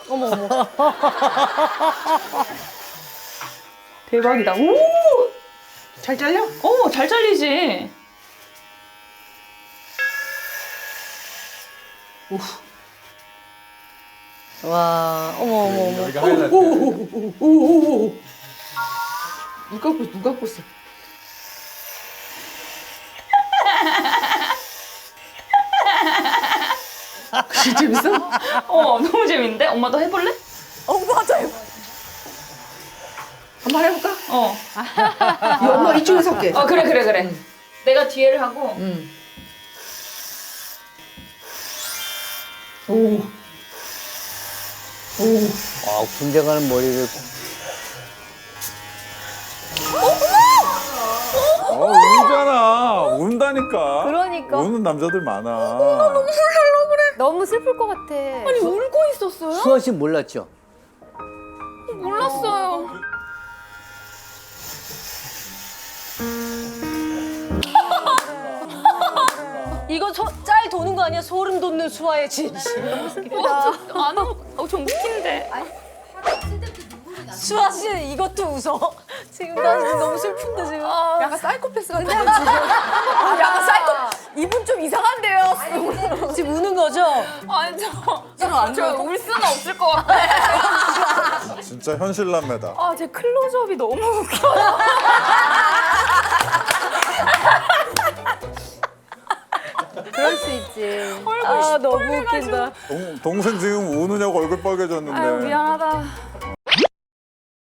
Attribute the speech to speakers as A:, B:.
A: 어머 어머. 대박이다. 오!
B: 잘 잘려?
A: 잘 잘리지. 와, 어머 어머 어머.
C: 여기가 하이라이트.
B: 오오오오오오. 누가 꽂어? 그게 재밌어?
A: 너무 재밌는데? 엄마도 해볼래?
D: 맞아요.
B: 한번 해볼까?
A: 어.
B: 이 엄마 이쪽에서 할게.
A: 그래. 내가 뒤에를 하고.
B: 오.
E: 아, 군대 가는 머리를.
C: 울잖아. 운다니까.
D: 그러니까.
C: 우는 남자들 많아.
D: 너무 슬플 것 같아.
A: 아니, 울고 있었어요?
E: 수아 씨 몰랐죠?
A: 몰랐어요.
D: 이거 짤 도는 거 아니야? 소름 돋는 수아의 진실.
A: 안 울, 좀 웃긴데.
D: 수아 씨 이것도 웃어. 지금 나 지금 너무 슬픈데 지금.
B: 약간 사이코패스 같은 거.
D: 약간 사이코. 이분 좀 이상한데요. 지금 우는 거죠?
A: 아니, 저울 수는 없을 것 같아.
C: 진짜 현실남매다.
A: 제 클로즈업이 너무 웃겨요.
D: 그럴 수 있지. 아 너무 웃긴다.
C: 동생 지금 우느냐고 얼굴 빨개졌는데.
A: 미안하다.